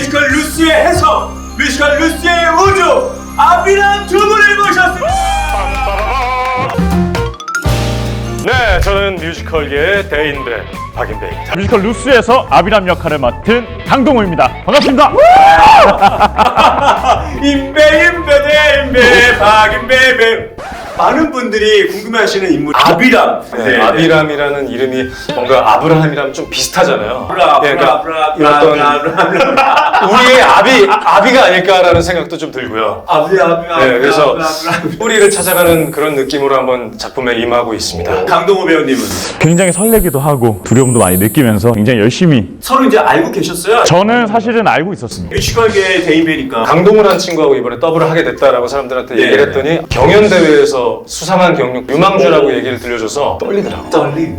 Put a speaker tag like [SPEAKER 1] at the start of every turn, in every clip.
[SPEAKER 1] 뮤지컬 루시의 해석, 뮤지컬 루시의 우주, 아비람 두 분을 모셨습니다.
[SPEAKER 2] 네, 저는 뮤지컬계의 대인배 박인배입니다.
[SPEAKER 3] 뮤지컬 루스에서 아비람 역할을 맡은 강동호입니다. 반갑습니다.
[SPEAKER 1] 인배 박인배. 많은 분들이 궁금해하시는 인물 아비람.
[SPEAKER 2] 네, 아비람이라는 이름이 뭔가 아브라함이랑 좀 비슷하잖아요. 우리의 아비가 아닐까라는 생각도 좀 들고요. 네, 그래서 뿌리를 찾아가는 그런 느낌으로 한번 작품에 임하고 있습니다.
[SPEAKER 1] 강동호 배우님은
[SPEAKER 3] 굉장히 설레기도 하고 두려움도 많이 느끼면서 굉장히 열심히.
[SPEAKER 1] 서로 이제 알고 계셨어요?
[SPEAKER 3] 저는 사실은 알고 있었습니다.
[SPEAKER 1] 뮤지컬계의 대인배니까.
[SPEAKER 2] 강동우라는 친구하고 이번에 더블을 하게 됐다라고 사람들한테 얘기를 했더니 경연대회에서 수상한 경력 유망주라고 얘기를 들려줘서 떨리더라고.
[SPEAKER 1] 떨림.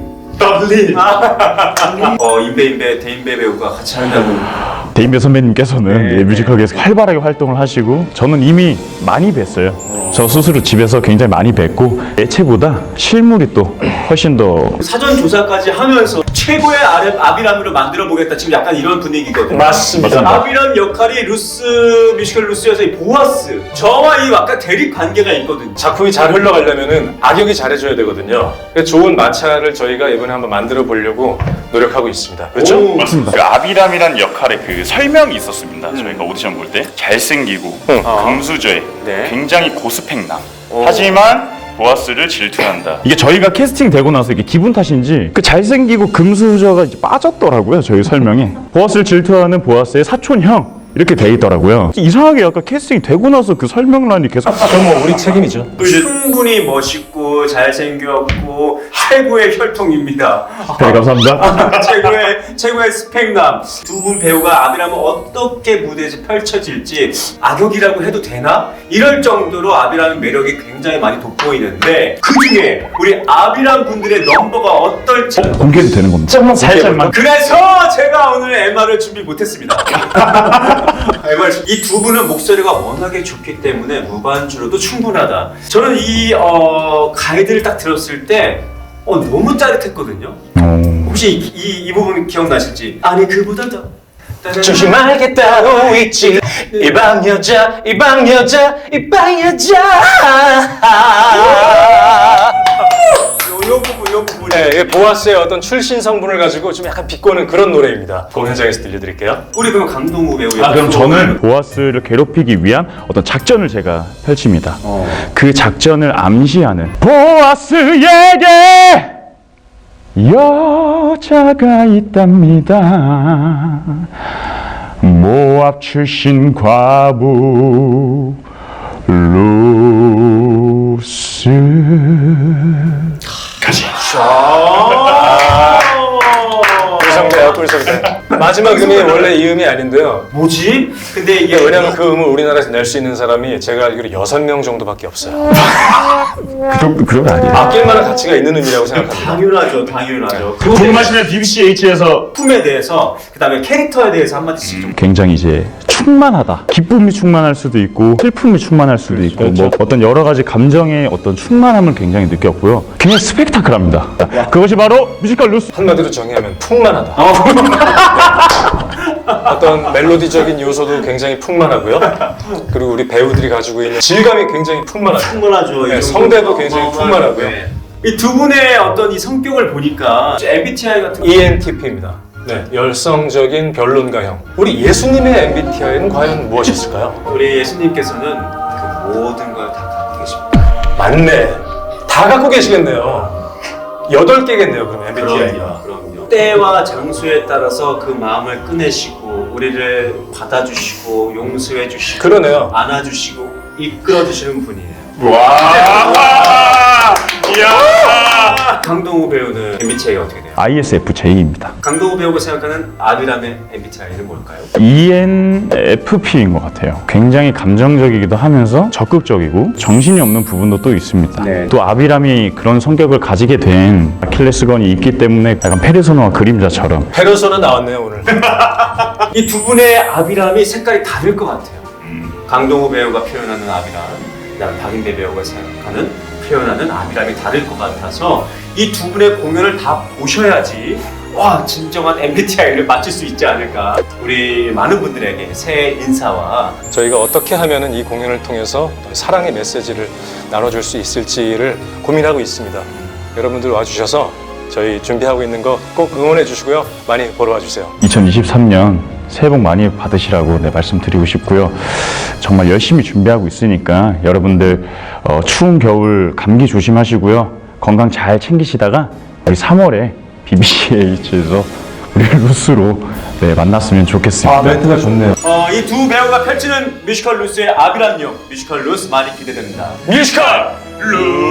[SPEAKER 1] 인배 대인배 배우가 같이 한다고.
[SPEAKER 3] 대인배 선배님께서는
[SPEAKER 1] 네.
[SPEAKER 3] 뮤지컬계에서 활발하게 활동을 하시고 저는 이미 많이 뵀어요. 저 스스로 집에서 굉장히 많이 뵀고 예체보다 실물이 또 훨씬 더.
[SPEAKER 1] 사전 조사까지 하면서 최고의 아비람으로 만들어 보겠다. 지금 약간 이런 분위기거든요.
[SPEAKER 2] 맞습니다.
[SPEAKER 1] 아비람 역할이 뮤지컬 루스여서 이 보아스. 저와 이 아까 대립 관계가 있거든요.
[SPEAKER 2] 작품이 잘 흘러가려면은 악역이 잘해줘야 되거든요. 그래서 좋은 마찰을 저희가 이번에 한번 만들어 보려고 노력하고 있습니다. 그렇죠?
[SPEAKER 3] 맞습니다.
[SPEAKER 4] 그 아비람이란 역할의 그 설명이 있었습니다. 저희가 오디션 볼 때 잘생기고 금수저에
[SPEAKER 1] 네.
[SPEAKER 4] 굉장히 고스펙남. 하지만 보아스를 질투한다.
[SPEAKER 3] 이게 저희가 캐스팅 되고 나서 이게 기분 탓인지 그 잘생기고 금수저가 이제 빠졌더라고요. 저희 설명에 보아스를 질투하는 보아스의 사촌형 이렇게 돼 있더라고요. 이상하게 약간 캐스팅이 되고 나서 그 설명란이 계속.
[SPEAKER 2] 그럼 뭐 우리 책임이죠.
[SPEAKER 1] 충분히 멋있고 잘생겼고 최고의 혈통입니다.
[SPEAKER 3] 네, 감사합니다.
[SPEAKER 1] 최고의 스펙남. 두 분 배우가 아비람은 어떻게 무대에서 펼쳐질지 악역이라고 해도 되나? 이럴 정도로 아비람의 매력이 굉장히 많이 돋보이는데 그 중에 우리 아비람 분들의 넘버가 어떨지
[SPEAKER 3] 공개도 되는 겁니다. 살짝만.
[SPEAKER 1] 그래서 제가 오늘 MR을 준비 못했습니다. 이 두 분은 목소리가 워낙에 좋기 때문에 무반주로도 충분하다. 저는 이 가이드를 딱 들었을 때 너무 짜릿했거든요. 혹시 이 부분 기억나실지? 아니 그보다 더
[SPEAKER 2] 조심할 게 따로 있지. 이 방 여자 이 방 여자 이 방 여자.
[SPEAKER 1] 요 부분.
[SPEAKER 2] 네, 보아스의 어떤 출신 성분을 가지고 좀 약간 비꼬는 그런 노래입니다. 공연장에서 들려드릴게요.
[SPEAKER 1] 우리 그럼 강동우 배우.
[SPEAKER 3] 그럼 저는 보아스를 괴롭히기 위한 어떤 작전을 제가 펼칩니다. 그 작전을 암시하는 보아스에게 여자가 있답니다. 모압 출신 과부 루스.
[SPEAKER 2] 꿀성대야 꿀성대. 마지막 음이 원래 이 음이 아닌데요.
[SPEAKER 1] 뭐지? 근데 이게
[SPEAKER 2] 왜냐면 그 음을 우리나라에서 낼 수 있는 사람이 제가 알기로 6명 정도밖에 없어요.
[SPEAKER 3] 그런 거 아니에요.
[SPEAKER 2] 아낄 만한 가치가 있는 음이라고 생각합니다.
[SPEAKER 1] 당연하죠.
[SPEAKER 3] 궁금하시면 BCH에서
[SPEAKER 1] 품에 대해서 그다음에 캐릭터에 대해서 한마디씩 좀.
[SPEAKER 3] 굉장히 이제 충만하다. 기쁨이 충만할 수도 있고 슬픔이 충만할 수도 있고 뭐 어떤 여러 가지 감정의 어떤 충만함을 굉장히 느꼈고요. 굉장히 스펙타클합니다. 그것이 바로 뮤지컬 루스.
[SPEAKER 2] 한마디로 정의하면 풍만하다. 어떤 멜로디적인 요소도 굉장히 풍만하고요. 그리고 우리 배우들이 가지고 있는 질감이 굉장히 풍만하죠.
[SPEAKER 1] 충분하죠.
[SPEAKER 2] 네, 성대도 굉장히 풍만하고요.
[SPEAKER 1] 이 두 분의 어떤 이 성격을 보니까 MBTI 같은 거.
[SPEAKER 2] ENTP입니다. 네, 열성적인 변론가형. 우리 예수님의 MBTI는 과연 무엇이었을까요?
[SPEAKER 1] 우리 예수님께서는 그 모든 걸 다 갖고 계십니다.
[SPEAKER 2] 맞네. 다 갖고 계시겠네요. 8개겠네요, 그럼 MBTI가.
[SPEAKER 1] 그럼요. 때와 장소에 따라서 그 마음을 꺼내시고 우리를 받아주시고 용서해주시고
[SPEAKER 2] 그러네요.
[SPEAKER 1] 안아주시고 이끌어주시는 분이에요.
[SPEAKER 4] 와! 이야!
[SPEAKER 1] 강동우 배우는 MBTI가 어떻게 돼요?
[SPEAKER 3] ISFJ입니다.
[SPEAKER 1] 강동우 배우가 생각하는 아비람의 MBTI는 뭘까요?
[SPEAKER 3] ENFP인 것 같아요. 굉장히 감정적이기도 하면서 적극적이고 정신이 없는 부분도 또 있습니다.
[SPEAKER 1] 네.
[SPEAKER 3] 또 아비람이 그런 성격을 가지게 된 아킬레스건이 있기 때문에 약간 페르소나와 그림자처럼.
[SPEAKER 2] 페르소나 나왔네요, 오늘.
[SPEAKER 1] 이 두 분의 아비람이 색깔이 다를 것 같아요. 강동우 배우가 표현하는 아비람, 그다음 박인배 배우가 생각하는 표현하는 아비람이 다를 것 같아서 이 두 분의 공연을 다 보셔야지 와 진정한 MBTI를 맞출 수 있지 않을까. 우리 많은 분들에게 새해 인사와
[SPEAKER 2] 저희가 어떻게 하면은 이 공연을 통해서 사랑의 메시지를 나눠줄 수 있을지를 고민하고 있습니다. 여러분들 와주셔서 저희 준비하고 있는 거 꼭 응원해 주시고요. 많이 보러 와주세요.
[SPEAKER 3] 2023년 새해 복 많이 받으시라고 말씀드리고 싶고요. 정말 열심히 준비하고 있으니까 여러분들 추운 겨울 감기 조심하시고요. 건강 잘 챙기시다가 우리 3월에 BBCH에서 우리 루스로 만났으면 좋겠습니다.
[SPEAKER 2] 멘트가 좋네요.
[SPEAKER 1] 이 두 배우가 펼치는 뮤지컬 루스의 아비란 역 뮤지컬 루스 많이 기대됩니다.
[SPEAKER 2] 뮤지컬
[SPEAKER 1] 루스